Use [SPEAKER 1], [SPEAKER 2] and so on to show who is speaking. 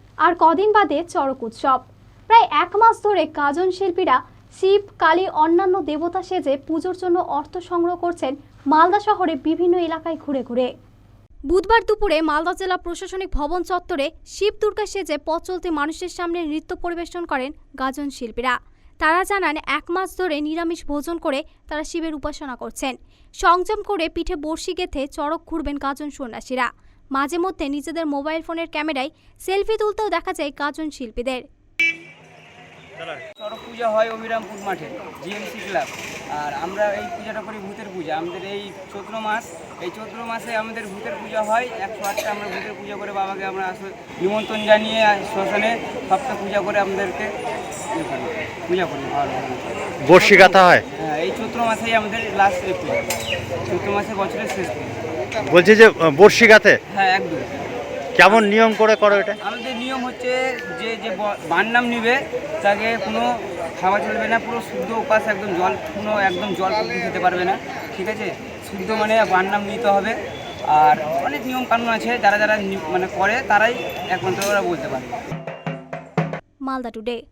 [SPEAKER 1] আর কদিন বাদে চড়ক উৎসব। প্রায় এক মাস ধরে গাজন শিল্পীরা শিব, কালী, অন্যান্য দেবতা সেজে পুজোর জন্য অর্থ সংগ্রহ করছেন মালদা শহরে বিভিন্ন এলাকায় ঘুরে ঘুরে। বুধবার দুপুরে মালদা জেলা প্রশাসনিক ভবন চত্বরে শিব দুর্গা সেজে পথ চলতি মানুষের সামনে নৃত্য পরিবেশন করেন গাজন শিল্পীরা। তারা জানান, এক মাস ধরে নিরামিষ ভোজন করে তারা শিবের উপাসনা করছেন। সংযম করে পিঠে বড়শি গেঁথে চড়ক ঘুরবেন গাজন সন্ন্যাসীরা। মাঝে মধ্যে নিজেদের মোবাইল ফোনের ক্যামেরায় সেলফি তুলতেও দেখা যায় গাজন শিল্পীদের।
[SPEAKER 2] চড়ক পূজা হয় অবিরামপুর মাঠে জিএমসি ক্লাব। আর আমরা এই পূজাটা করি ভূতের পূজা। আমাদের এই চৈত্র মাসে আমাদের ভূতের পূজা হয়। 108টা আমরা ভূতের পূজা করে বাবাকে আমরা নিমন্ত্রণ জানিয়ে শ্মশানে সপ্তাহ পূজা করে আমাদেরকে পূজা করি।
[SPEAKER 3] বর্ষি গাঁথা হয়।
[SPEAKER 2] হ্যাঁ, এই চৈত্র মাসেই আমাদের লাস্ট পূজা, চৈত্র মাসে বছরের শেষ পূজা।
[SPEAKER 3] বলছি যে বর্ষি গাঁথে
[SPEAKER 2] হ্যাঁ, একদম।
[SPEAKER 3] কেমন নিয়ম করে করো এটা?
[SPEAKER 2] আমাদের নিয়ম হচ্ছে যে বার নাম নিবে তাকে কোনো খাওয়া চলবে না, পুরো শুদ্ধ উপাস, একদম জল খেতে পারবে না, ঠিক আছে? শুদ্ধ মানে বার নাম নিতে হবে। আর অনেক নিয়ম কানুন আছে, যারা মানে করে তারাই একমাত্র ওরা বলতে পারে।
[SPEAKER 1] মালদা টুডে।